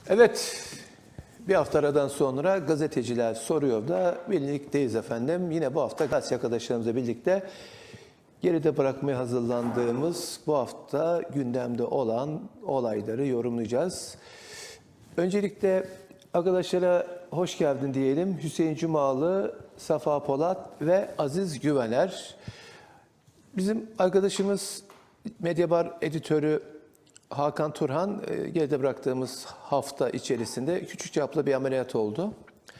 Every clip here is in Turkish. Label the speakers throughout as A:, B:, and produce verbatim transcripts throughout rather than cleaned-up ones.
A: Evet, bir hafta aradan sonra gazeteciler soruyor da birlikteyiz efendim. Yine bu hafta gazeteci arkadaşlarımızla birlikte geride bırakmaya hazırlandığımız bu hafta gündemde olan olayları yorumlayacağız. Öncelikle arkadaşlara hoş geldin diyelim. Hüseyin Cumalı, Safa Polat ve Aziz Güvener. Bizim arkadaşımız Medyabar editörü Hakan Turhan geride bıraktığımız hafta içerisinde küçük çaplı bir ameliyat oldu.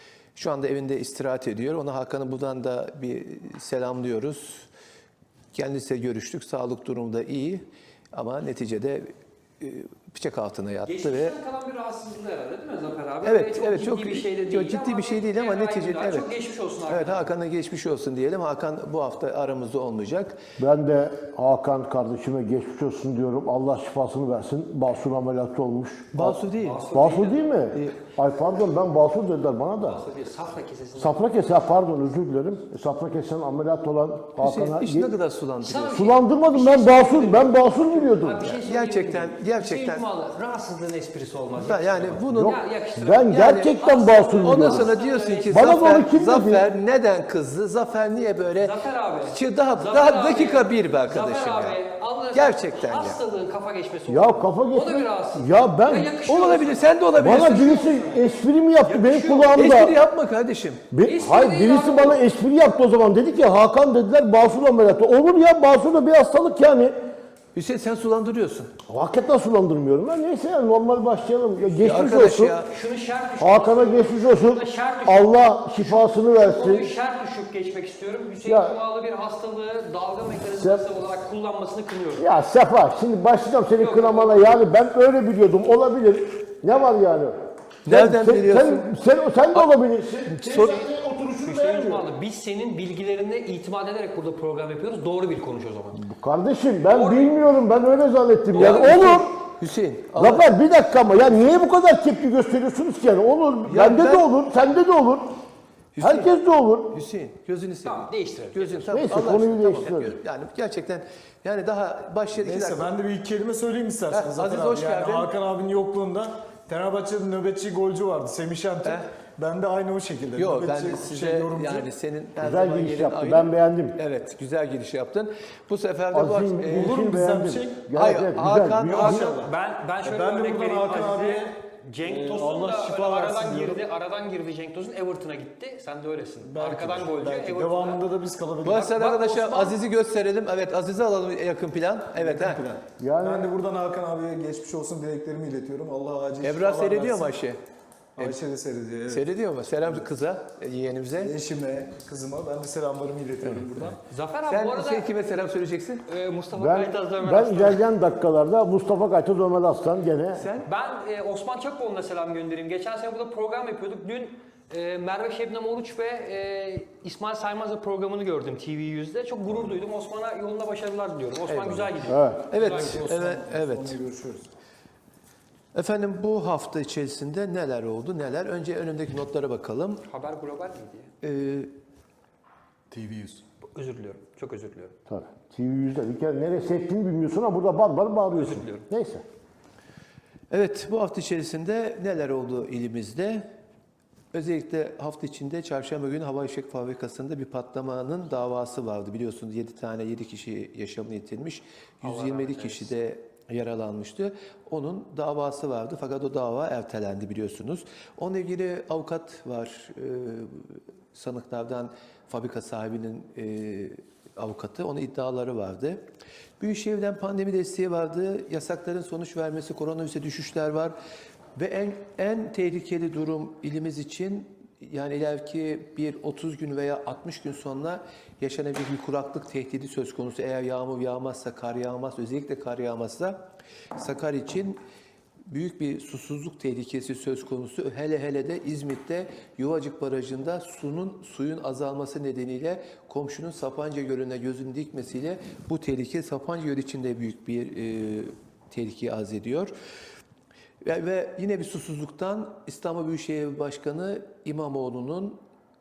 A: Şu anda evinde istirahat ediyor. Ona Hakan'ı buradan da bir selamlıyoruz. Kendisiyle görüştük. Sağlık durumu da iyi ama neticede bıçak altına yattı.
B: Geçmişten
A: ve
B: kalan bir rahatsızlığı herhalde değil mi Zafer abi?
A: Evet,
B: çok
A: evet
B: ciddi
A: çok
B: bir şey de değil.
A: çok ciddi bir şey değil ama neticede evet.
B: Çok geçmiş olsun Hakan.
A: Evet, Hakan'a geçmiş olsun diyelim. Hakan bu hafta aramızda olmayacak.
C: Ben de Hakan kardeşime geçmiş olsun diyorum. Allah şifasını versin. Basur ameliyatı olmuş.
A: Basur değil.
B: Basur
C: Basur değil mi?
A: Değil.
C: Ay pardon, ben Basur dediler bana da.
B: Basur değil, safra kesesi.
C: Safra kese, pardon özür dilerim. Safra kesen ameliyat olan
A: Hüseyin,
C: Hakan'a...
A: iş ne kadar sulandırıyor?
B: Sana bir
C: Sulandırmadım, ben Basur, ben Basur biliyordum.
B: Abi bir şey söyleyeyim
A: Gerçekten,
B: mi?
A: gerçekten.
B: Hüseyin Cumalı, rahatsızlığın esprisi olmaz.
A: Ben yani bunun
C: Yok,
B: Ya, yakıştırın.
C: ben
B: Yani
C: gerçekten Basur biliyordum.
A: ondan sonra diyorsun ki
C: Bana
A: Zafer,
C: doğru kim dedi?
A: Zafer neden kızdı? Zafer niye böyle?
B: Zafer abi.
A: Şu daha
B: Zafer
A: daha
B: abi,
A: dakika bir be arkadaşım
B: Zafer
A: ya.
B: abi, Allah'ın
A: Gerçekten ya.
B: hastalığın kafa geçmesi
C: Ya
B: olur.
C: kafa
B: O da bir
C: geçme.
B: rahatsızlık.
C: Ya ben...
B: yakışıyor
A: Olabilir, sen de olabilirsin.
C: Bana birisi espri mi yaptı benim
B: Yakışıyor.
C: kulağımda?
A: Espri yapma kardeşim.
C: Bir,
B: Espri
C: hayır
B: değil
C: birisi
B: abi.
C: bana espri yaptı o zaman. Dedi ki Hakan dediler Basur ameliyatı. Olur ya, Basur da bir hastalık yani.
A: Hüseyin sen sulandırıyorsun.
C: Hakikaten sulandırmıyorum. Ya neyse ya, normal başlayalım. Ya geçmiş
A: arkadaş
C: olsun.
A: ya.
B: Şunu şart düşük.
C: Hakan'a geçmiş olsun.
B: Şuna şart düşük.
C: Allah şifasını
B: Konuyu
C: versin.
B: şart düşük geçmek istiyorum. Hüseyin
C: Ya-
B: Cumalı bir hastalığı dalga mekanizması olarak kullanmasını kınıyorum.
C: Ya Sefa, şimdi başlayacağım senin
B: Yok,
C: kınamana. Yani ben öyle biliyordum. Olabilir. Ne var yani?
A: Nereden
C: sen,
A: biliyorsun?
C: Sen, sen, sen de olabilirsin.
A: Sor-
C: Oturuşunu
B: Hüseyin Cumalı, biz senin bilgilerine itimat ederek burada program yapıyoruz. Doğru bir konuş o zaman.
C: Kardeşim ben bilmiyorum. Ben öyle zannettim.
A: Ya
C: Yani olur.
A: Hüseyin. Allah-
C: Zafer bir dakika ama ya niye bu kadar tepki gösteriyorsunuz ki yani? Olur.
A: Ya
C: Bende
A: ben-
C: de olur. Sende de olur.
A: Hüseyin.
C: Herkes de olur.
A: Hüseyin gözünü seveyim.
B: Tamam, değiştirelim.
A: Gözün tamam.
C: Neyse,
A: Allah
C: konuyu
A: aşkına,
C: değiştirelim.
A: Yani gerçekten yani daha başladı.
D: Neyse ben de bir iki kelime söyleyeyim isterseniz.
A: Heh,
D: Zafer
A: Aziz,
D: abi.
A: hoş
D: yani
A: geldin.
D: Hakan abinin yokluğunda Fenerbahçe'de nöbetçi golcü vardı Semih Şentürk.
A: Heh.
D: Ben de aynı o şekilde.
A: Yok ben
D: nöbetçi
A: de size
D: şey, yorumcu.
A: yani senin her
C: Güzel
A: zaman
C: giriş
A: yerin
C: yaptı.
A: ayrı.
C: Ben beğendim.
A: Evet güzel giriş yaptın. Bu sefer de bu
C: Azim
A: e,
C: girişini
D: olur mu bizden
C: beğendim.
D: bir şey?
C: Evet,
A: Hayır,
C: evet,
A: Hakan-
C: güzel.
A: Hakan-
D: İnşallah.
B: Ben ben şöyle
D: Ben de
B: örnek
D: buradan
B: vereyim
D: Hakan
B: Aziz'e.
D: abiye,
B: Cenk
D: e,
B: Tosun
D: Allah
B: da
D: şifa
B: öyle
D: versin
B: aradan
D: diyorum.
B: girdi, aradan girdi Cenk Tosun, Everton'a gitti. Sen de öylesin.
D: Belki,
B: Arkadan golcü,
D: belki.
B: Everton'a.
D: Devamında da biz kalabiliriz.
A: bu arada
B: bak
A: arkadaşlar
B: Osman-
A: Aziz'i gösterelim. Evet Aziz'i alalım yakın plan. Evet ha.
C: Yani
D: Ben de buradan Hakan abiye geçmiş olsun dileklerimi iletiyorum. Allah acil
A: Ebrar
D: şifalar
A: seyrediyor mu
D: versin.
A: Ayşe?
D: Ayşe de seyrediyor. Evet.
A: Seyrediyor mu? Selam kıza, yeğenimize.
D: Eşime, kızıma ben de selamlarımı iletiyorum buradan.
B: Zafer abi
A: Sen
B: bu arada
A: Hüseyin kime selam söyleyeceksin?
B: e, Mustafa
C: ben,
B: Kaytaz Ömer
C: ben
B: Aslan.
C: ilerleyen dakikalarda Mustafa Kaytaz Ömer Aslan gene
A: Sen?
B: Ben e, Osman Çakboğlu'na selam göndereyim. Geçen sene burada program yapıyorduk. Dün e, Merve Şebnem Oruç ve e, İsmail Saymaz'la programını gördüm T V yüzde. Çok gurur duydum. Osman'a yolunda başarılar diliyorum. Osman güzel gidiyor.
C: evet.
A: Evet, evet, evet.
D: Sonra görüşürüz.
A: Efendim bu hafta içerisinde neler oldu, neler? Önce önümdeki notlara bakalım.
B: Haber global miydi ya?
A: Ee,
D: T V yüz.
B: Özür diliyorum. Çok özür diliyorum.
C: Tabii. T V yüzde bir kere nereye sektiğini bilmiyorsun ama burada bar bar bağırıyorsun.
B: Özür diliyorum.
C: Neyse.
A: evet, bu hafta içerisinde neler oldu ilimizde? Özellikle hafta içinde çarşamba günü Havai Fişek Fabrikası'nda bir patlamanın davası vardı. Biliyorsunuz yedi tane yedi kişi yaşamını yitirmiş. yüz yirmi yedi kişi de yaralanmıştı. Onun davası vardı fakat o dava ertelendi biliyorsunuz. Onunla ilgili avukat var. Ee, sanıklardan fabrika sahibinin e, avukatı. Onun iddiaları vardı. Büyükşehir'den pandemi desteği vardı. Yasakların sonuç vermesi, koronavirüse düşüşler var. Ve en en tehlikeli durum ilimiz için yani ileriki bir otuz gün veya altmış gün sonra yaşanabilir bir kuraklık tehdidi söz konusu. Eğer yağmur yağmazsa, kar yağmazsa, özellikle kar yağmazsa Sakarya için büyük bir susuzluk tehlikesi söz konusu. Hele hele de İzmit'te Yuvacık Barajı'nda sunun suyun azalması nedeniyle komşunun Sapanca Gölü'ne gözünü dikmesiyle bu tehlike Sapanca Gölü için de büyük bir e, tehlikeyi arz ediyor. Ve, ve yine bir susuzluktan İstanbul Büyükşehir Başkanı İmamoğlu'nun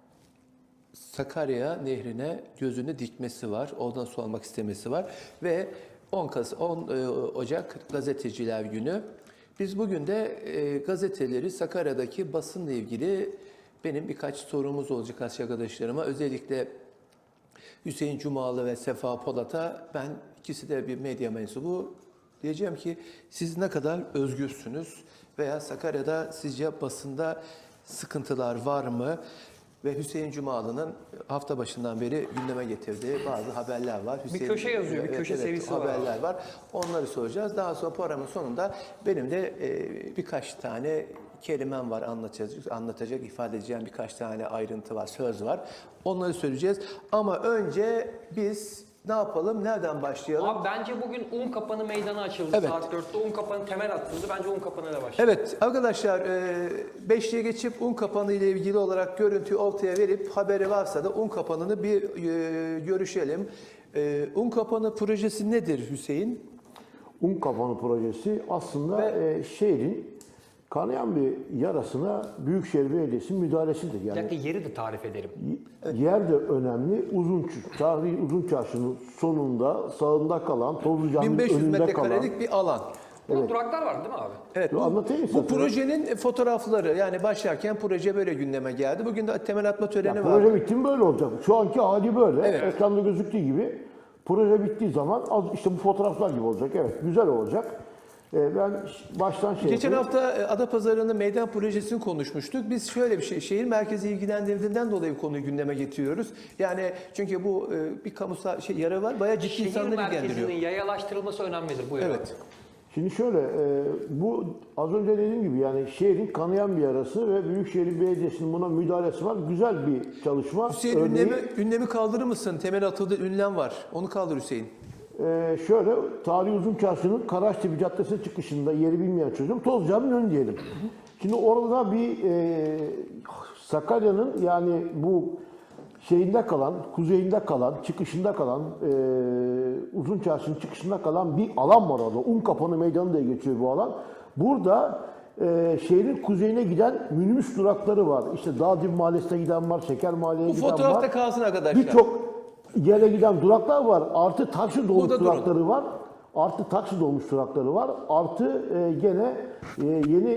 A: Sakarya Nehri'ne gözünü dikmesi var. Oradan su almak istemesi var. Ve on Ocak Gazeteciler Günü. Biz bugün de e, gazeteleri, Sakarya'daki basınla ilgili benim birkaç sorumuz olacak arkadaşlarıma. Özellikle Hüseyin Cumalı ve Sefa Polat'a, ben ikisi de bir medya mensubu, diyeceğim ki siz ne kadar özgürsünüz veya Sakarya'da sizce basında sıkıntılar var mı? Ve Hüseyin Cumalı'nın hafta başından beri gündeme getirdiği bazı haberler var. Hüseyin,
B: köşe yazıyor, bir köşe serisi var
A: haberler var. Onları soracağız. Daha sonra programın sonunda benim de e, birkaç tane kelimem var, anlatacak, anlatacak, ifade edeceğim birkaç tane ayrıntı var, söz var. Onları söyleyeceğiz. Ama önce biz ne yapalım, nereden başlayalım?
B: Abi bence bugün un kapanı meydanı açıldı
A: Evet.
B: saat dörtte. Un kapanı temel atıldı. Bence un kapanıyla başlayalım.
A: Evet arkadaşlar, beşliğe geçip un kapanı ile ilgili olarak görüntüyü ortaya verip haberi varsa da un kapanını bir e, görüşelim. E, un kapanı projesi nedir Hüseyin?
C: Un kapanı projesi aslında e, şehrin kanayan bir yarasına Büyükşehir Belediyesi'nin müdahalesidir.
B: Bir
C: Yani
B: dakika, yeri de tarif edelim.
C: yer de önemli. Uzun Ç- tarihi Uzun Çarşı'nın sonunda sağında kalan, Tozlu Cami'nin
A: bin beş yüz
C: önünde kalan.
A: metrekarelik bir alan.
B: Burada duraklar var değil mi abi?
A: Evet,
C: Yo,
A: bu,
C: anlatayım mı
A: bu
C: istersen?
A: projenin fotoğrafları, yani başlarken proje böyle gündeme geldi. Bugün de temel atma töreni
C: Ya,
A: var.
C: proje bitti mi böyle olacak. Şu anki hali böyle.
A: Evet.
C: Ekranda gözüktüğü gibi. Proje bittiği zaman az işte bu fotoğraflar gibi olacak. Evet, güzel olacak. Ee, ben ş- baştan şey
A: Geçen
C: yapayım.
A: hafta e, Adapazarı'nın meydan projesini konuşmuştuk. Biz şöyle bir şey, şehir merkezi ilgilendirdiğinden dolayı bu konuyu gündeme getiriyoruz. Yani çünkü bu e, bir kamusal şey yarı var, bayağı ciddi
B: Şehir
A: insanları ilgilendiriyor.
B: merkezinin yayalaştırılması önemlidir. Buyur abi.
A: Evet.
C: Şimdi şöyle, e, bu az önce dediğim gibi yani şehrin kanayan bir yarası ve Büyükşehir Belediyesi'nin buna müdahalesi var. Güzel bir çalışma.
A: Hüseyin
C: Örneği,
A: ünlemi, ünlemi kaldırır mısın? Temel atıldı ünlem var. Onu kaldır Hüseyin.
C: e, şöyle, Tarihi Uzun Çarşı'nın Karaçtepe Caddesi çıkışında, yeri bilmeyen çocuğum, Tozlu Cami'nin önü diyelim. Şimdi orada bir e, Sakarya'nın yani bu şeyinde kalan, kuzeyinde kalan, çıkışında kalan, e, Uzun Çarşı'nın çıkışında kalan bir alan var orada. Un Kapanı Meydanı diye geçiyor bu alan. Burada e, şehrin kuzeyine giden minibüs durakları var. İşte Dağdib Mahallesi'ne giden var, Şeker Mahalle'ye
A: Bu
C: giden var.
A: fotoğrafta kalsın arkadaşlar.
C: Birçok yere giden duraklar var. Artı taksi dolmuş
A: Burada durun.
C: durakları var. Artı taksi dolmuş durakları var. Artı e, gene e, yeni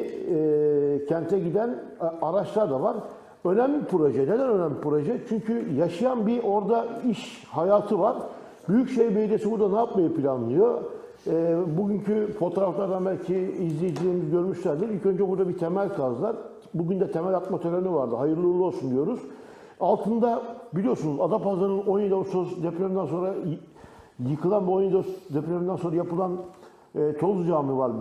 C: e, kente giden e, araçlar da var. Önemli bir proje. Neden önemli bir proje? Çünkü yaşayan bir orada iş hayatı var. Büyükşehir Belediyesi burada ne yapmayı planlıyor? E, bugünkü fotoğraflardan belki izleyicilerimiz görmüşlerdir. İlk önce burada bir temel kazdılar. Bugün de temel atma töreni vardı. Hayırlı uğurlu olsun diyoruz. Altında biliyorsunuz Adapazarı'nın on yedi Ağustos depreminden sonra y- yıkılan bu on yedi Ağustos depreminden sonra yapılan e, Tozlu Cami var.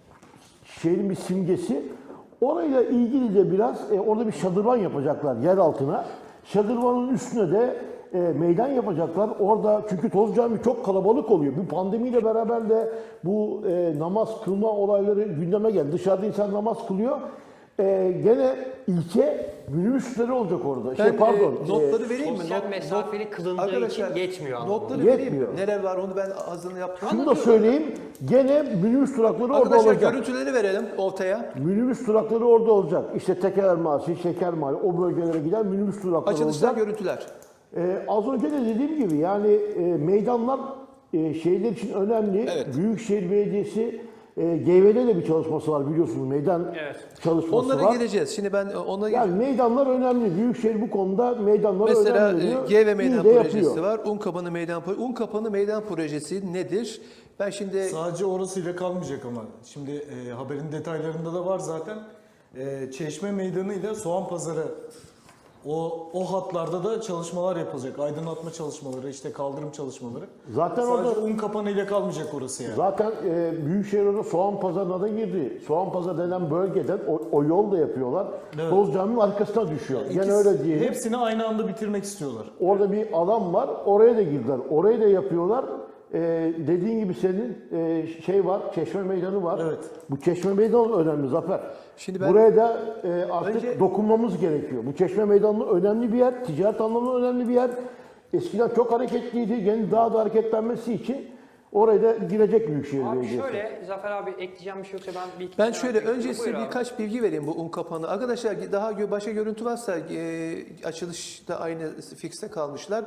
C: Şehrin bir simgesi. Orayla ilgili de biraz e, orada bir şadırvan yapacaklar yer altına. Şadırvanın üstüne de e, meydan yapacaklar. Orada çünkü Tozlu Cami çok kalabalık oluyor. Bu pandemiyle beraber de bu e, namaz kılma olayları gündeme geldi. Dışarıda insan namaz kılıyor. E, gene ilçe minibüsleri olacak orada. şey
A: Ben
C: pardon.
A: e, notları vereyim mi?
B: sosyal
A: Not-
B: mesafeli
A: not-
B: kılındığı
A: Arkadaşlar,
B: için yetmiyor anlamında.
A: Notları vereyim mi?
C: Yetmiyor.
A: Neler var onu ben hazırını yaptım.
C: Şunu da söyleyeyim. Gene minibüs durakları orada
A: Arkadaşlar
C: olacak.
A: görüntüleri verelim ortaya.
C: Minibüs durakları orada olacak. İşte Tekeler Mahallesi, Şeker Mahallesi, o bölgelere giden minibüs durakları
A: Açılışta
C: olacak.
A: görüntüler.
C: Ee, az önce de dediğim gibi yani e, meydanlar e, şehirler için önemli.
A: Evet.
C: Büyükşehir Belediyesi e, G V'de de bir çalışması var biliyorsunuz. Meydan
B: Evet.
C: çalışması
A: Onlara
C: var.
A: geleceğiz. Şimdi ben ona
C: Yani meydanlar önemli. Büyükşehir bu konuda meydanlara
A: mesela
C: önem veriyor.
A: e, G ve Meydan
C: İyi de
A: projesi
C: yapıyor.
A: var. Un Kapanı Meydan Projesi. Un Kapanı Meydan Projesi nedir? Ben şimdi
D: Sadece orasıyla kalmayacak ama. Şimdi e, haberin detaylarında da var zaten. E, Çeşme Meydanı ile Soğan Pazarı o o hatlarda da çalışmalar yapılacak. Aydınlatma çalışmaları, işte kaldırım çalışmaları.
C: Zaten
D: Sadece
C: orada
D: un kapanı ile kalmayacak orası yani.
C: zaten e, Büyükşehir orada Soğan Pazarı'na da girdi. Soğan Pazarı denen bölgeden o, o yol da yapıyorlar.
D: Evet.
C: Toz Cami'nin arkasına düşüyor. Yani
D: İkisi-
C: öyle diyelim.
D: Hepsini aynı anda bitirmek istiyorlar.
C: Orada bir alan var. Oraya da girdiler. Orayı da yapıyorlar. Ee, dediğin gibi senin e, şey var, Çeşme Meydanı var.
D: Evet.
C: Bu Çeşme Meydanı önemli Zafer.
A: Şimdi ben-
C: Buraya da e, artık
A: Önce-
C: dokunmamız gerekiyor. Bu Çeşme Meydanı önemli bir yer, ticaret anlamında önemli bir yer. Eskiden çok hareketliydi. Yeni daha da hareketlenmesi için oraya da girecek Büyükşehir
B: Abi
C: Belediyesi.
B: şöyle, Zafer abi ekleyeceğim bir şey yoksa ben bir iki
A: ben
B: tane
A: şöyle
B: ekleyeyim.
A: önce size
B: Buyur abi.
A: birkaç bilgi vereyim bu un kapanı. Arkadaşlar daha gö- başka görüntü varsa e, açılışta aynı fikste kalmışlar.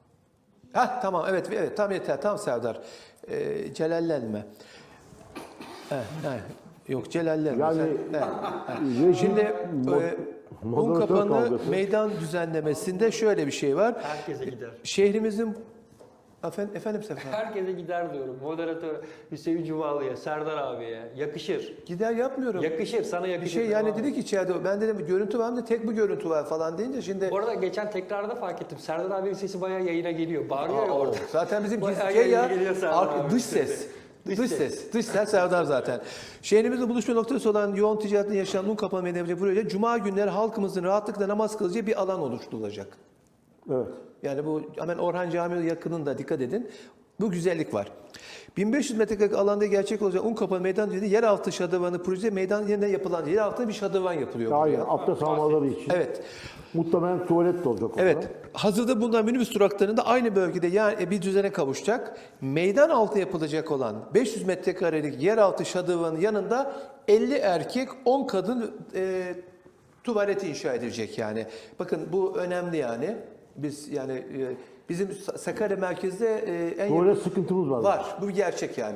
A: Hah tamam evet evet tam yeter tam Serdar. E, celallenme. He, he. Yok Celaller.
C: Yani
A: mesela. He, he.
C: rejim,
A: Şimdi e, un
C: moderatör
A: kapanı
C: kavgası.
A: meydan düzenlemesinde şöyle bir şey var.
B: Herkese gider.
A: Şehrimizin efendim, efendim Sefa.
B: Herkese gider diyorum. Moderatör Hüseyin Cumalı'ya, Serdar abiye. Yakışır.
A: Gider yapmıyorum.
B: Yakışır, sana
A: Bir
B: yakışır.
A: şey yani
B: Abi.
A: dedi ki içeride ben dedim görüntü var mı da tek bu görüntü var falan deyince şimdi
B: Bu arada geçen tekrarda fark ettim. Serdar abinin sesi bayağı yayına geliyor. Bağırıyor ya
A: Aa,
B: orada.
A: zaten bizim
B: Bayağı
A: gizli şey ya
B: yayına geliyor Serdar
A: arka-
B: abi.
A: dış ses.
B: Dış
A: Dış,
B: ses.
A: ses. Dış ses Serdar zaten. Şehrimizde buluşma noktası olan yoğun ticaretin yaşanan un kapanma meydana proje Cuma günleri halkımızın rahatlıkla namaz kılacağı bir alan oluşturulacak.
C: Evet.
A: Yani bu hemen Orhan Camii yakınında dikkat edin. Bu güzellik var. bin beş yüz metrekare alanda gerçek olacak un kapanma meydan dedi. Yeraltı şadırvanı proje meydan yerine yapılan yer altında bir şadırvan yapılıyor.
C: Aynen.
A: buraya.
C: Abdest almaları için.
A: Evet.
C: Muhtemelen tuvalet de olacak orada.
A: Evet. Hazırda bulunan minibüs duraklarında aynı bölgede yani bir düzene kavuşacak. Meydan altı yapılacak olan beş yüz metrekarelik yeraltı şadırvanın yanında elli erkek, on kadın e, tuvaleti inşa edilecek yani. Bakın bu önemli yani. Biz yani e, bizim Sakarya merkezde e, en
C: Tuvalet
A: yakın,
C: sıkıntımız var.
A: var. Bu bir gerçek yani.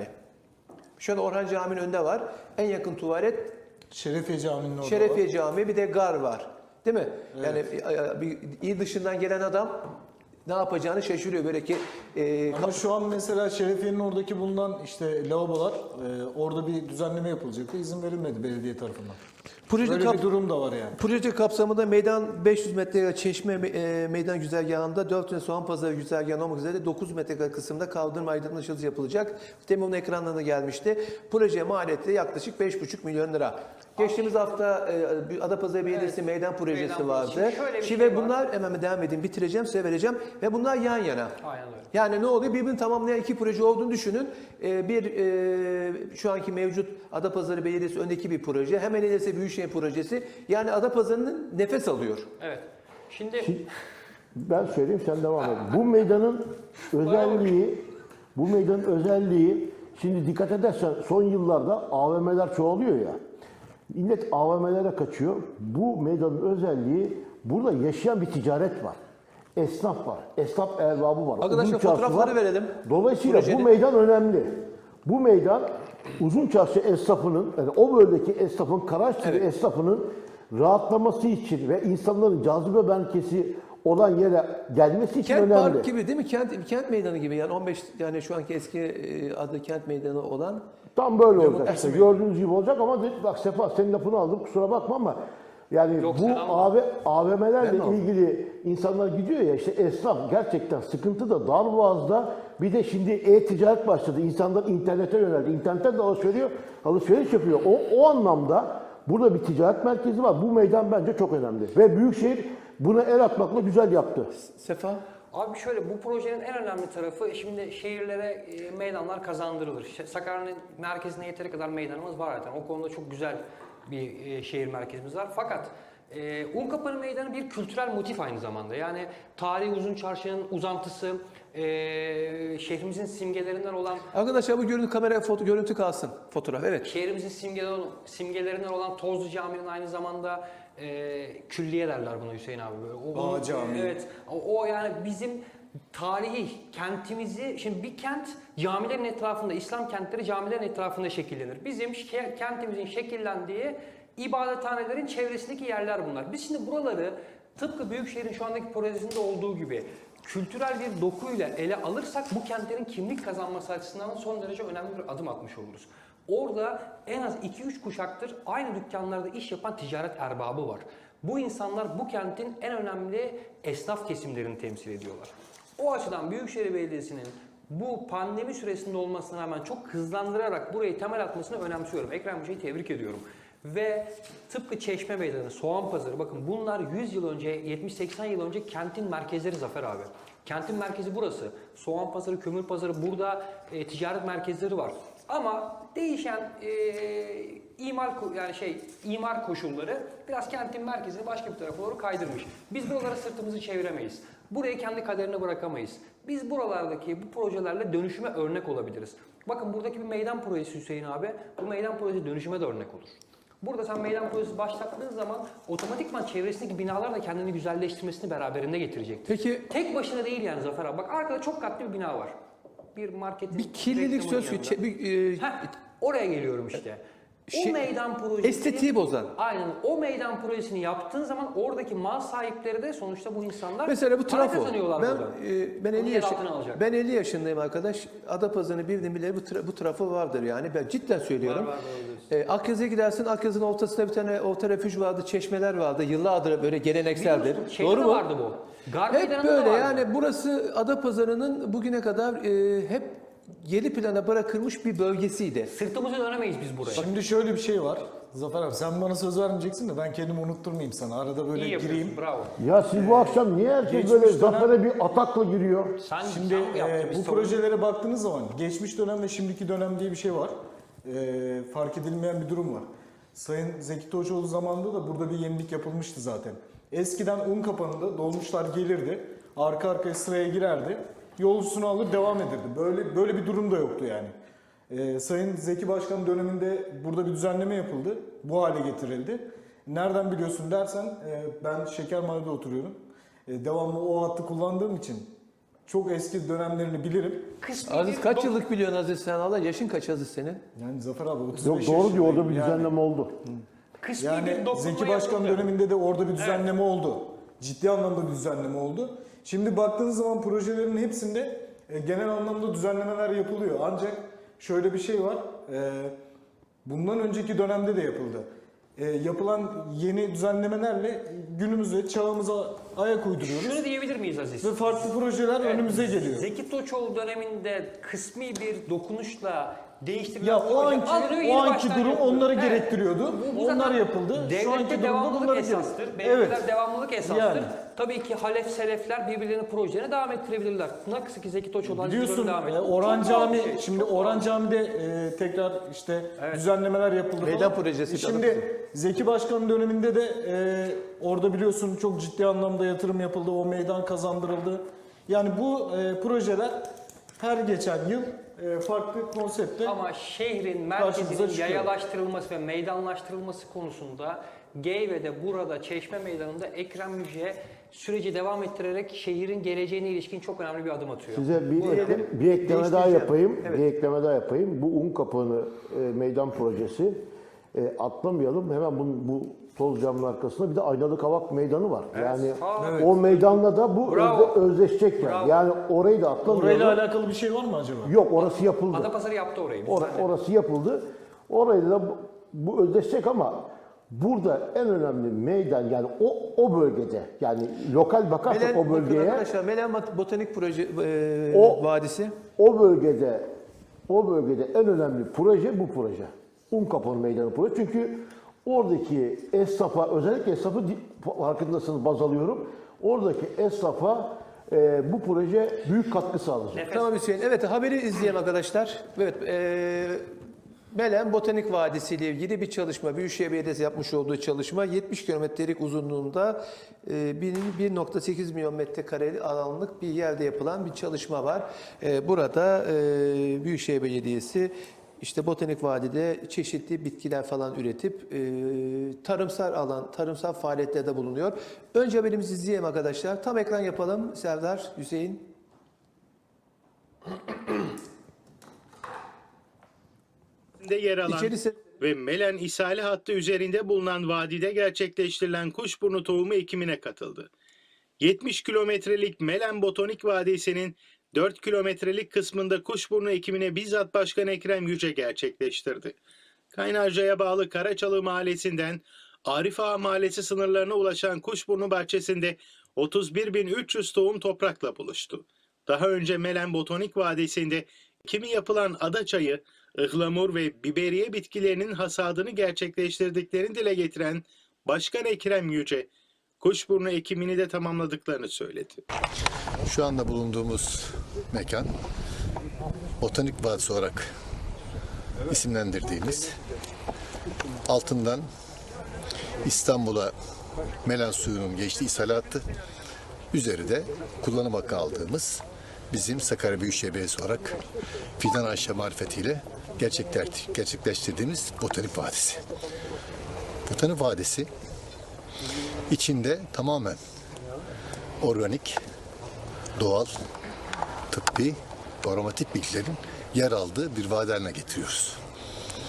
A: Şu an Orhan Camii'nin önünde var. En yakın tuvalet
D: Şerefiye Camii'nin orada
A: Şerefiye
D: var.
A: Camii bir de gar var. Değil mi? Yani e, bir il dışından gelen adam ne yapacağını şaşırıyor böyle ki e,
D: Ama şu an mesela Şerefiye'nin oradaki bulunan işte lavabolar e, orada bir düzenleme yapılacaktı. İzin verilmedi belediye tarafından.
A: proje
D: Böyle
A: kap-
D: bir durum da var yani.
A: proje kapsamında meydan beş yüz metre çeşme e, meydan güzergahında dört tane soğan pazarı güzergahı olmak üzere dokuz metrekare kısımda kaldırım aydınlatılması yapılacak. Demin onun ekranlarına gelmişti. Proje maliyeti yaklaşık beş buçuk milyon lira. Geçtiğimiz hafta e, bir Adapazarı Belediyesi
B: Evet,
A: meydan projesi
B: meydan
A: vardı.
B: projesi. Şöyle bir
A: Şimdi
B: şey
A: ve
B: var.
A: bunlar hemen devam edeyim bitireceğim size vereceğim ve bunlar yan yana.
B: Aynen öyle.
A: Yani ne oluyor? Birbirini tamamlayan iki proje olduğunu düşünün. Ee, bir e, şu anki mevcut Adapazarı Belediyesi öndeki bir proje. Hemen ilerisi Büyükşehir projesi. Yani Adapazarı'nın nefes alıyor.
B: Evet. Şimdi
C: Ben söyleyeyim sen devam et. Bu meydanın özelliği, bu meydanın özelliği şimdi dikkat edersen son yıllarda A V M'ler çoğalıyor ya. Millet A V M'lere kaçıyor. Bu meydanın özelliği burada yaşayan bir ticaret var. Esnaf var. Esnaf erbabı var.
A: Arkadaşlar
C: Uzun çarşı
A: fotoğrafları
C: var.
A: verelim.
C: Dolayısıyla
A: Projenin.
C: bu meydan önemli. Bu meydan uzun çarşı esnafının, yani o bölgedeki esnafın, Karaçlı
A: Evet.
C: esnafının rahatlaması için ve insanların cazibe merkezi olan yere gelmesi için
A: Kent
C: önemli.
A: Park gibi değil mi? Kent kent meydanı gibi. Yani on beş yani şu anki eski e, adı kent meydanı olan.
C: Tam böyle olacak.
A: Demokrasi
C: İşte gördüğünüz gibi olacak ama de- bak Sefa senin lafını aldım kusura bakma ama yani
B: Yok,
C: bu
B: sen alma.
C: A V, A V M'lerle
A: Ben aldım.
C: ilgili insanlar gidiyor ya işte esnaf gerçekten sıkıntıda Darboğaz'da bir de şimdi e-ticaret başladı. İnsanlar internete yöneldi. İnternetten de alışveriş, alışveriş yapıyor. O, o anlamda burada bir ticaret merkezi var. Bu meydan bence çok önemli. Ve Büyükşehir buna el atmakla güzel yaptı.
A: Sefa.
B: abi şöyle bu projenin en önemli tarafı şimdi şehirlere e, meydanlar kazandırılır. Ş- Sakarya'nın merkezine yeteri kadar meydanımız var zaten. O konuda çok güzel bir e, şehir merkezimiz var. Fakat e, Unkapanı Meydanı bir kültürel motif aynı zamanda. Yani tarihi uzun çarşının uzantısı, e, şehrimizin simgelerinden olan
A: Arkadaşlar bu görüntü kamera foto görüntü kalsın. Fotoğraf evet.
B: şehrimizin simgelerinden, simgelerinden olan Tozlu Camii'nin aynı zamanda e, külliye derler buna Hüseyin abi. Böyle. O,
D: Bağ Camii.
B: Evet. O, o yani bizim tarihi kentimizi, şimdi bir kent camilerin etrafında, İslam kentleri camilerin etrafında şekillenir. Bizim şe- kentimizin şekillendiği ibadethanelerin çevresindeki yerler bunlar. Biz şimdi buraları tıpkı Büyükşehir'in şu andaki projesinde olduğu gibi kültürel bir dokuyla ele alırsak bu kentlerin kimlik kazanması açısından son derece önemli bir adım atmış oluruz. Orada en az iki üç kuşaktır aynı dükkanlarda iş yapan ticaret erbabı var. Bu insanlar bu kentin en önemli esnaf kesimlerini temsil ediyorlar. O açıdan Büyükşehir Belediyesi'nin bu pandemi süresinde olmasına rağmen çok hızlandırarak burayı temel atmasını önemsiyorum. Ekrem Hoca'yı tebrik ediyorum. Ve tıpkı Çeşme Meydanı, Soğan Pazarı, bakın bunlar yüz yıl önce, yetmiş seksen yıl önce kentin merkezleri Zafer abi. Kentin merkezi burası. Soğan Pazarı, Kömür Pazarı, burada e, ticaret merkezleri var. Ama değişen e, imar ko- yani şey imar koşulları biraz kentin merkezini başka bir tarafa doğru kaydırmış. Biz buralara sırtımızı çeviremeyiz. Burayı kendi kaderine bırakamayız. Biz buralardaki bu projelerle dönüşüme örnek olabiliriz. Bakın buradaki bir meydan projesi Hüseyin abi, bu meydan projesi dönüşüme de örnek olur. Burada sen meydan projesi başlattığın zaman otomatikman çevresindeki binalar da kendini güzelleştirmesini beraberinde getirecektir.
A: Peki
B: Tek başına değil yani Zafer abi. Bak arkada çok katlı bir bina var. Bir marketin
A: bir kirlilik
B: reklamının
A: söz
B: yanında.
A: konusu. Bir, e,
B: Heh, Oraya geliyorum işte. O
A: Şey-
B: meydan projesi...
A: Estetiği bozan.
B: Aynen. O meydan projesini yaptığın zaman oradaki mal sahipleri de sonuçta bu insanlar
A: Mesela bu
B: para
A: trafo.
B: kazanıyorlar
A: Ben
B: buradan.
A: e, ben
B: Onu
A: elli
B: yer
A: yaş
B: altına alacak.
A: ben elli yaşındayım arkadaş. Adapazarı'nı bildim bile bu, tra- bu trafo vardır yani. Ben cidden söylüyorum.
B: Var, var, doğru
A: E, Akyazı'ya gidersin. Akyazı'nın ortasında bir tane orta refüj vardı, çeşmeler vardı. Yıllardır böyle gelenekseldir.
B: Biliyorsun, şeyde
A: Doğru
B: de
A: mu?
B: vardı bu. Gar
A: Hep
B: meydanında da
A: böyle
B: vardı.
A: yani burası Adapazarı'nın bugüne kadar e, hep geri plana bırakılmış bir bölgesiydi.
B: Sırtımızı dönemeyiz biz buraya.
D: Şimdi şöyle bir şey var. Zafer abi sen bana söz vermeyeceksin de ben kendimi unutturmayayım sana. Arada böyle
B: İyi yapıyorsun,
D: gireyim.
B: bravo.
C: Ya siz bu akşam niye herkes
D: Geçmiş
C: böyle
D: dönem-
C: zafere bir atakla giriyor?
B: Sen,
D: Şimdi
B: sen mi yaptın?
D: e,
B: Biz
D: bu
B: savun-
D: projelere baktığınız zaman geçmiş dönem ve şimdiki dönem diye bir şey var. E, fark edilmeyen bir durum var. Sayın Zeki Toçoğlu zamanında da burada bir yenilik yapılmıştı zaten. Eskiden un kapanında dolmuşlar gelirdi, arka arkaya sıraya girerdi, yolcusunu alır devam edirdi. Böyle böyle bir durum da yoktu yani. E, Sayın Zeki Başkan döneminde burada bir düzenleme yapıldı, bu hale getirildi. Nereden biliyorsun dersen e, ben Şekermahalle'de oturuyorum. E, devamlı o hattı kullandığım için çok eski dönemlerini bilirim.
B: Kısmi
A: Aziz
B: bir
A: kaç
B: dok-
A: yıllık biliyorsun Aziz sen Allah? Yaşın kaç Aziz senin?
D: Yani Zafer abi otuz beş
C: Yok doğru diyor, orada bir
D: yaşındayım.
C: düzenleme oldu.
B: Kısmi
D: Yani,
B: bir
D: yani
B: dokunma
D: Zeki Başkan
B: yapıldı.
D: döneminde de orada bir düzenleme oldu. Ciddi anlamda bir düzenleme oldu. Şimdi baktığınız zaman projelerin hepsinde e, genel anlamda düzenlemeler yapılıyor. Ancak şöyle bir şey var. E, bundan önceki dönemde de yapıldı. E, yapılan yeni düzenlemelerle günümüze, çağımıza ayak uyduruyoruz.
B: Şunu diyebilir miyiz Aziz?
D: Ve farklı projeler önümüze geliyor.
B: Zeki Toçoğlu döneminde kısmi bir dokunuşla değiştirilen
D: Ya o
B: proje
D: anki,
B: alınıyor, yeni
D: o anki
B: baştan
D: durum
B: yapılıyor.
D: onları
B: Evet.
D: gerektiriyordu.
B: Bu- bu
D: Onlar
B: zaten
D: yapıldı. Şu
B: Devlette
D: anki durumda
B: devamlılık
D: bunları
B: esastır.
D: gerektiriyor.
B: Belediyeler
D: Evet.
B: devamlılık esastır.
D: Yani.
B: Tabii ki halef selefler birbirlerinin projelerini devam ettirebilirler. Nasıl ki Zeki Toçoğlu Aziz
D: Biliyorsun
B: Yıldırım devam
D: e,
B: ediyor.
D: Orhan
B: Çok doğal
D: Cami
B: bir şey,
D: şimdi
B: çok
D: Orhan
B: doğal.
D: Cami'de e, tekrar işte
B: Evet.
D: düzenlemeler yapıldı.
A: Meydan
D: falan.
A: projesi
D: E, Şimdi Zeki Başkan döneminde de e, orada biliyorsun çok ciddi anlamda yatırım yapıldı. O meydan kazandırıldı. Yani bu e, projeler her geçen yıl e, farklı konsepte
B: Ama şehrin
D: Karşımıza
B: merkezinin
D: çıkıyor.
B: yayalaştırılması ve meydanlaştırılması konusunda Geyve'de, burada Çeşme Meydanı'nda Ekrem Müjde süreci devam ettirerek şehrin geleceğine ilişkin çok önemli bir adım atıyor.
C: Size bir,
A: Diyelim,
C: bir ekleme daha
A: değiştireceğim.
C: yapayım.
A: Evet.
C: Bir ekleme daha yapayım. Bu un kapağını e, meydan projesi e, atlamayalım. Hemen bu, bu toz camın arkasında bir de aynalı kavak meydanı var. Yani
B: Aa,
D: Evet.
C: o meydanla da bu
B: Bravo.
C: özde, özdeşecek yani.
B: Bravo.
C: Yani orayı da atlamayalım.
D: orayla alakalı bir şey var mı acaba?
C: Yok, orası yapıldı.
B: Adapazarı yaptı orayı. biz
C: Or-
B: zaten.
C: orası yapıldı. Orayı da bu, bu özdeşecek ama burada en önemli meydan yani o o bölgede yani lokal bakarsak
A: Melen,
C: o bölgeye
A: arkadaşlar, Melen Mat- Botanik Proje e,
C: O-
A: Vadisi.
C: o bölgede o bölgede en önemli proje bu proje. Unkapanı Meydanı proje. Çünkü oradaki esnafa, özellikle esnafı di- farkındasınız, baz alıyorum. Oradaki esnafa e, bu proje büyük katkı sağlayacak.
B: Nefes.
A: Tamam Hüseyin. Evet, haberi izleyelim arkadaşlar. Evet, e, Melen Botanik Vadisi ile ilgili bir çalışma, Büyükşehir Belediyesi yapmış olduğu çalışma yetmiş kilometrelik uzunluğunda e, bir bir nokta sekiz milyon metrekare alanlık bir yerde yapılan bir çalışma var. E, burada e, Büyükşehir Belediyesi işte Botanik Vadide çeşitli bitkiler falan üretip e, tarımsal alan, tarımsal faaliyetlerde bulunuyor. Önce haberimizi izleyelim arkadaşlar. Tam ekran yapalım. Serdar, Hüseyin.
E: de yer alan
A: İçerisi
E: ve Melen İshali hattı üzerinde bulunan vadide gerçekleştirilen kuşburnu tohumu ekimine katıldı. yetmiş kilometrelik Melen Botanik Vadisi'nin dört kilometrelik kısmında kuşburnu ekimine bizzat Başkan Ekrem Yüce gerçekleştirdi. Kaynarca'ya bağlı Karaçalı Mahallesi'nden Arif Ağa Mahallesi sınırlarına ulaşan Kuşburnu bahçesinde otuz bir bin üç yüz tohum toprakla buluştu. Daha önce Melen Botanik Vadisi'nde ekimi yapılan adaçayı, ıhlamur ve biberiye bitkilerinin hasadını gerçekleştirdiklerini dile getiren Başkan Ekrem Yüce, kuşburnu ekimini de tamamladıklarını söyledi.
F: Şu anda bulunduğumuz mekan Botanik Vadisi olarak isimlendirdiğimiz, altından İstanbul'a Melen suyunun geçtiği ishal hattı, üzeri de kullanım hakkı aldığımız bizim Sakarya Büyükşehir Belediyesi olarak Fidan Ayşe marifetiyle gerçekler- gerçekleştirdiğimiz Botanik Vadisi. Botanik Vadisi içinde tamamen organik, doğal, tıbbi ve aromatik bitkilerin yer aldığı bir vadi haline getiriyoruz.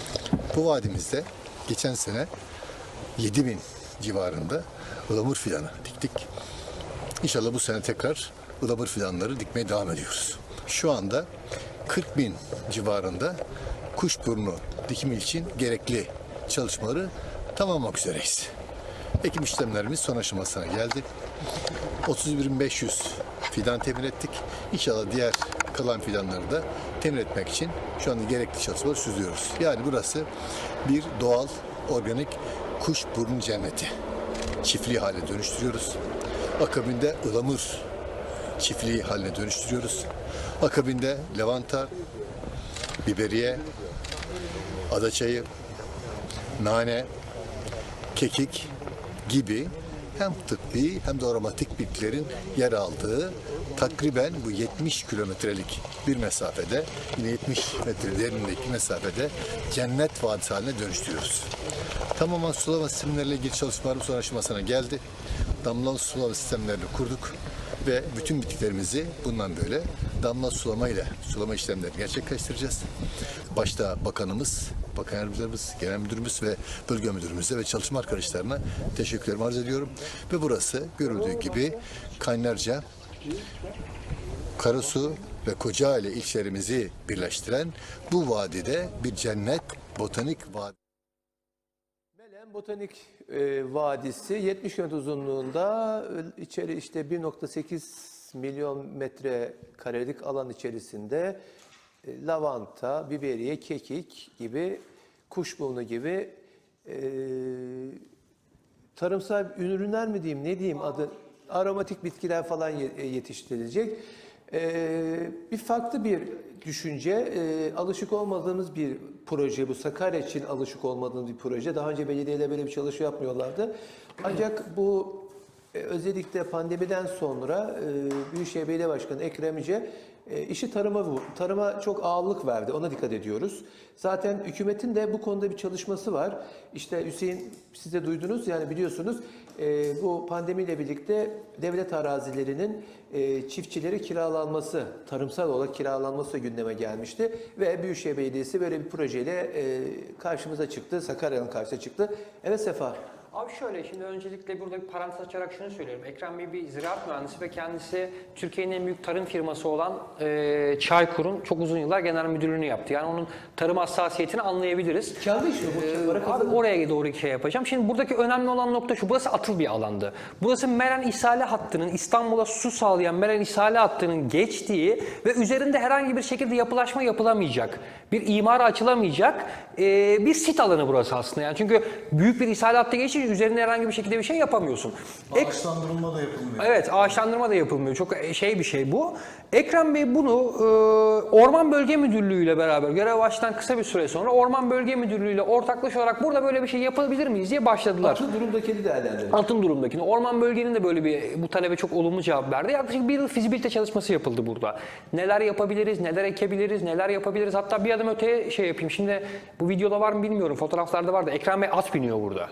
F: Bu vadimizde geçen sene yedi bin civarında ılamur fidanı diktik. İnşallah bu sene tekrar ılamur fidanları dikmeye devam ediyoruz. Şu anda kırk bin civarında kuşburnu dikimi için gerekli çalışmaları tamamlamak üzereyiz. Ekim işlemlerimiz son aşamasına geldi. otuz bir bin beş yüz fidan temin ettik. İnşallah diğer kalan fidanları da temin etmek için şu anda gerekli çalışmaları sürdürüyoruz. Yani burası bir doğal, organik kuşburnu cenneti. Çiftliği haline dönüştürüyoruz. Akabinde ılamur çiftliği haline dönüştürüyoruz. Akabinde lavanta, biberiye, adaçayı, nane, kekik gibi hem tıbbi hem de aromatik bitkilerin yer aldığı takriben bu yetmiş kilometrelik bir mesafede, yine yetmiş metre derinliğindeki mesafede cennet vadisi haline dönüştürüyoruz. Tamamen sulama sistemleriyle ilgili çalışmalarımız son aşamasına geldi. Damla sulama sistemlerini kurduk ve bütün bitkilerimizi bundan böyle damla sulama ile sulama işlemlerini gerçekleştireceğiz. Başta bakanımız, bakan yardımcılarımız, genel müdürümüz ve bölge müdürümüze ve çalışma arkadaşlarına teşekkürlerimi arz ediyorum. Ve burası görüldüğü gibi Kaynarca, Karasu ve Kocaeli ilçelerimizi birleştiren bu vadide bir cennet botanik vadi.
A: Melen Botanik e, Vadisi yetmiş kilometre uzunluğunda, e, içeri işte bir nokta sekiz milyon metrekarelik alan içerisinde e, lavanta, biberiye, kekik gibi, kuşburnu gibi e, tarımsal ürünler mi diyeyim, ne diyeyim adı, aromatik bitkiler falan ye- yetiştirilecek. E, bir farklı bir düşünce, e, alışık olmadığımız bir proje bu. Sakarya için alışık olmadığımız bir proje. Daha önce belediyeler böyle bir çalışma yapmıyorlardı. Ancak bu e, özellikle pandemiden sonra e, Büyükşehir Belediye Başkanı Ekrem İnce e, işi tarıma vur- tarıma çok ağırlık verdi. Ona dikkat ediyoruz. Zaten hükümetin de bu konuda bir çalışması var. İşte Hüseyin, siz de duydunuz, yani biliyorsunuz e, bu pandemiyle birlikte devlet arazilerinin e, çiftçilere kiralanması, tarımsal olarak kiralanması gündeme gelmişti ve Büyükşehir Belediyesi böyle bir projeyle e, karşımıza çıktı. Sakarya'nın karşısına çıktı. Evet Sefa.
B: Abi şöyle, şimdi öncelikle burada bir parantez açarak şunu söylüyorum. Ekrem Bey bir ziraat mühendisi ve kendisi Türkiye'nin en büyük tarım firması olan e, Çaykur'un çok uzun yıllar genel müdürlüğünü yaptı. Yani onun tarım hassasiyetini anlayabiliriz.
A: Kendi işi bu. Para
B: Abi
A: kazanır.
B: oraya doğru şey yapacağım. Şimdi buradaki önemli olan nokta şu. Burası atıl bir alandı. Burası Meren İshale Hattı'nın, İstanbul'a su sağlayan Meren İshale Hattı'nın geçtiği ve üzerinde herhangi bir şekilde yapılaşma yapılamayacak, bir imara açılamayacak e, bir sit alanı burası aslında. Yani çünkü büyük bir ishale hattı geçince üzerinde herhangi bir şekilde bir şey yapamıyorsun. Ek-
D: Ağaçlandırılma da yapılmıyor.
B: Evet, ağaçlandırma da yapılmıyor. Çok şey bir şey bu. Ekrem Bey bunu e, Orman Bölge Müdürlüğü ile beraber görev baştan kısa bir süre sonra Orman Bölge Müdürlüğü ile ortaklaşa olarak burada böyle bir şey yapabilir miyiz diye başladılar.
A: Atıl durumdaki değerlendirelim.
B: Altın durumdakini. Orman Bölge'nin de böyle bir bu talebe çok olumlu cevap verdi. Yaklaşık bir yıl fizibilite çalışması yapıldı burada. Neler yapabiliriz, neler ekebiliriz, neler yapabiliriz. Hatta bir adım öteye şey yapayım. Şimdi bu videoda var mı bilmiyorum. Fotoğraflarda var da Ekrem Bey at biniyor burada.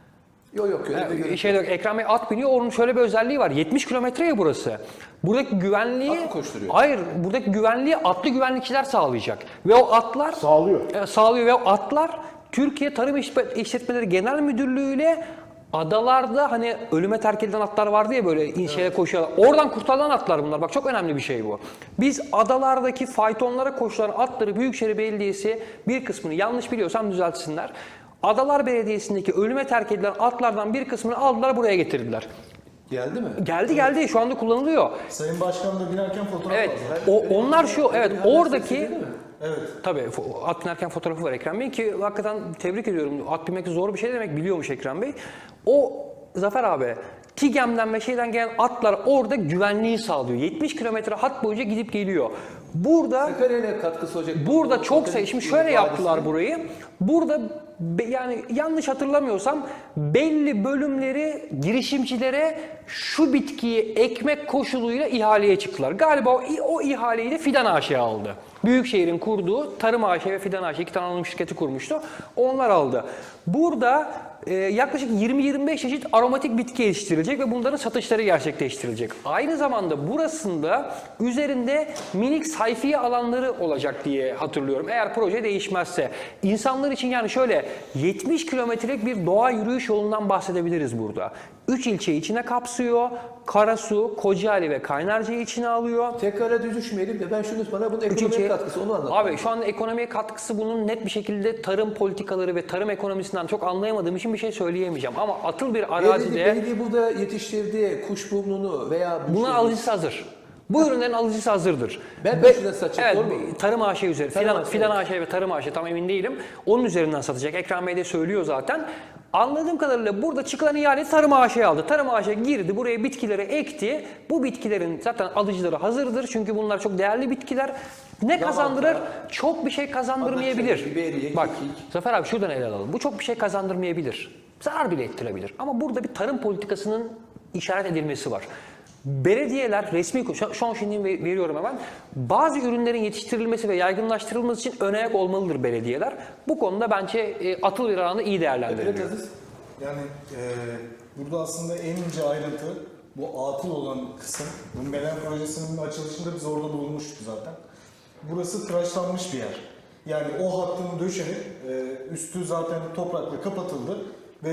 A: Yok yok. Öyle bir
B: Yani
A: görüntü
B: şey yok, Ekrem Bey at biniyor. Onun şöyle bir özelliği var. yetmiş kilometre ya burası. Buradaki güvenliği...
A: At mı koşturuyor?
B: Hayır. Buradaki güvenliği atlı güvenlikçiler sağlayacak. Ve o atlar...
C: Sağlıyor.
B: E, sağlıyor ve o atlar Türkiye Tarım İşletmeleri Genel Müdürlüğü ile adalarda hani ölüme terk edilen atlar vardı ya böyle inşeye evet. koşuyorlar. Oradan kurtarılan atlar bunlar. Bak çok önemli bir şey bu. Biz adalardaki faytonlara koşulan atları Büyükşehir Belediyesi bir kısmını yanlış biliyorsam düzeltsinler. Adalar Belediyesi'ndeki ölüme terk edilen atlardan bir kısmını aldılar buraya getirdiler.
A: geldi mi?
B: Geldi geldi şu anda kullanılıyor.
D: Sayın Başkan da binerken fotoğraf
B: Evet.
D: aldı.
B: O, onlar şu evet oradaki
D: Evet.
B: tabii fo- at binerken fotoğrafı var Ekrem Bey ki hakikaten tebrik ediyorum. At binmek zor bir şey demek biliyormuş Ekrem Bey. O Zafer abi TİGEM'den ve şeyden gelen atlar orada güvenliği sağlıyor. yetmiş kilometre hat boyunca gidip geliyor. Burada
A: Sakarya'ya katkısı olacak.
B: Burada
A: Bu
B: çok
A: botanik
B: sayı, şimdi şöyle
A: vadisi.
B: yaptılar burayı. Burada be- yani yanlış hatırlamıyorsam belli bölümleri girişimcilere şu bitkiyi ekmek koşuluyla ihaleye çıktılar. Galiba o, o ihaleyi de Fidan A Ş aldı. Büyükşehir'in kurduğu Tarım A Ş ve Fidan A Ş iki tane anonim şirketi kurmuştu. Onlar aldı. Burada e, yaklaşık yirmi yirmi beş çeşit aromatik bitki yetiştirilecek ve bunların satışları gerçekleştirilecek. Aynı zamanda burasında üzerinde minik sayfiye alanları olacak diye hatırlıyorum. Eğer proje değişmezse. İnsanlar için yani şöyle yetmiş kilometrelik bir doğa yürüyüş yolundan bahsedebiliriz burada. üç ilçeyi içine kapsıyor. Karasu, Kocaeli ve Kaynarca'yı içine alıyor.
A: Tekrara düşmeyelim de ben şunu bana bunun
B: Üç
A: ekonomik
B: ilçe-
A: katkısı onu anlat.
B: Abi şu an ekonomiye katkısı bunun net bir şekilde tarım politikaları ve tarım ekonomisinden çok anlayamadığım için bir şey söyleyemeyeceğim. Ama atıl bir
A: Belediye,
B: arazide
A: belediye burada yetiştirdiği kuşburnunu veya bu
B: bunun
A: şey-
B: alıcısı hazır. Bu ürünlerin alıcısı hazırdır.
A: Ben
B: Ve-
A: şurada satacak,
B: evet,
A: doğru mu?
B: Tarım A Ş üzeri,
A: Tarım
B: filan,
A: A Ş,
B: filan
A: evet.
B: A Ş ve Tarım A Ş tam emin değilim. Onun üzerinden satacak. Ekrem Bey de söylüyor zaten. Anladığım kadarıyla burada çıkılan ihale Tarım A Ş'ye aldı. Tarım A Ş girdi, buraya bitkileri ekti. Bu bitkilerin zaten alıcıları hazırdır. Çünkü bunlar çok değerli bitkiler. Ne kazandırır? Çok bir şey kazandırmayabilir.
A: Anlatacağım. Biberiye,
B: Bak,
A: kekik.
B: Zafer abi şuradan ele alalım. Bu çok bir şey kazandırmayabilir. Zarar bile ettirebilir. Ama burada bir tarım politikasının işaret edilmesi var. Belediyeler resmi, şu şu an şimdi ve- veriyorum hemen, bazı ürünlerin yetiştirilmesi ve yaygınlaştırılması için ön ayak olmalıdır belediyeler. Bu konuda bence e, atıl bir alanda iyi
A: Evet,
B: değerlendiriliyor.
A: Aziz.
D: Yani e, burada aslında en ince ayrıntı bu atıl olan kısım. Bu Melen projesinin açılışında biz orada bulunmuştuk zaten. Burası tıraşlanmış bir yer. Yani o hattın döşenip e, üstü zaten toprakla kapatıldı ve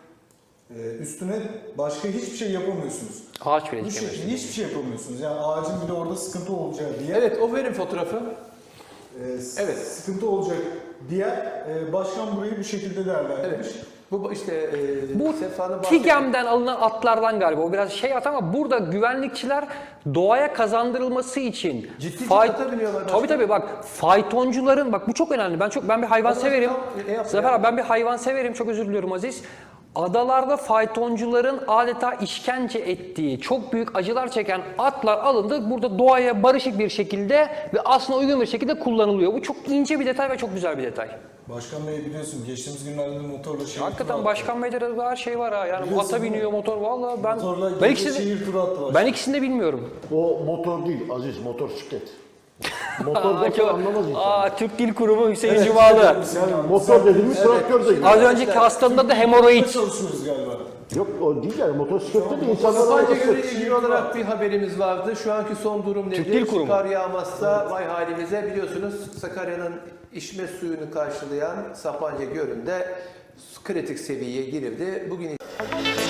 D: e, üstüne başka hiçbir şey yapamıyorsunuz.
B: Ağaç bile
D: Bu
B: dikemez.
D: şekilde hiçbir şey yapamıyorsunuz. Yani ağacın bile orada sıkıntı olacağı diye.
A: Evet o verin fotoğrafı.
D: e,
A: Evet.
D: Sıkıntı olacak diye e, başkan burayı bu şekilde değerlendirmiş.
A: Evet. Bu işte e,
B: Bu
A: Sefa'nın bahsettiği-
B: TİGEM'den alınan atlardan galiba. O biraz şey at ama burada güvenlikçiler doğaya kazandırılması için
A: Ciddi ciddi
B: fay-
A: ata biniyorlar
B: Tabii
A: başka.
B: tabii bak faytoncuların bak bu çok önemli. Ben çok ben bir hayvan
A: Adam
B: severim.
A: tam- e, yap-
B: Zafer
A: yap.
B: abi ben bir hayvan severim. Çok özür diliyorum Aziz. Adalarda faytoncuların adeta işkence ettiği, çok büyük acılar çeken atlar alındı. Burada doğaya barışık bir şekilde ve aslında uygun bir şekilde kullanılıyor. Bu çok ince bir detay ve çok güzel bir detay.
D: Başkan Bey biliyorsun geçtiğimiz günlerde motorla şehir
B: Hakikaten
D: turu
B: başkan beyde de her şey var ha. Yani
D: Biliyorsun
B: ata
D: değil mi?
B: biniyor motor vallahi ben
D: Motorla
B: ben
D: gece
B: ikisini
D: şehir turu attı başkan.
B: ben ikisini de bilmiyorum.
C: O motor değil Aziz, motosiklet. Motor
B: Aa,
C: motor
B: çok-
C: anlamaz insan.
B: Aa, Türk Dil Kurumu Hüseyin Cumalı.
C: Yani motor dediğimiz traktör de gibi.
B: Az önceki hastamda da hemoroid.
D: çalışıyoruz galiba.
C: Yok o değil yani motosiklette de insanlar
A: Sapanca
C: arabası.
A: Gölü ile ilgili olarak bir haberimiz vardı. Şu anki son durum
B: Türk
A: nedir?
B: Dil Kurumu.
A: Kar yağmazsa vay halimize. Biliyorsunuz Sakarya'nın içme suyunu karşılayan Sapanca Gölü'nde kritik seviyeye girildi. Bugün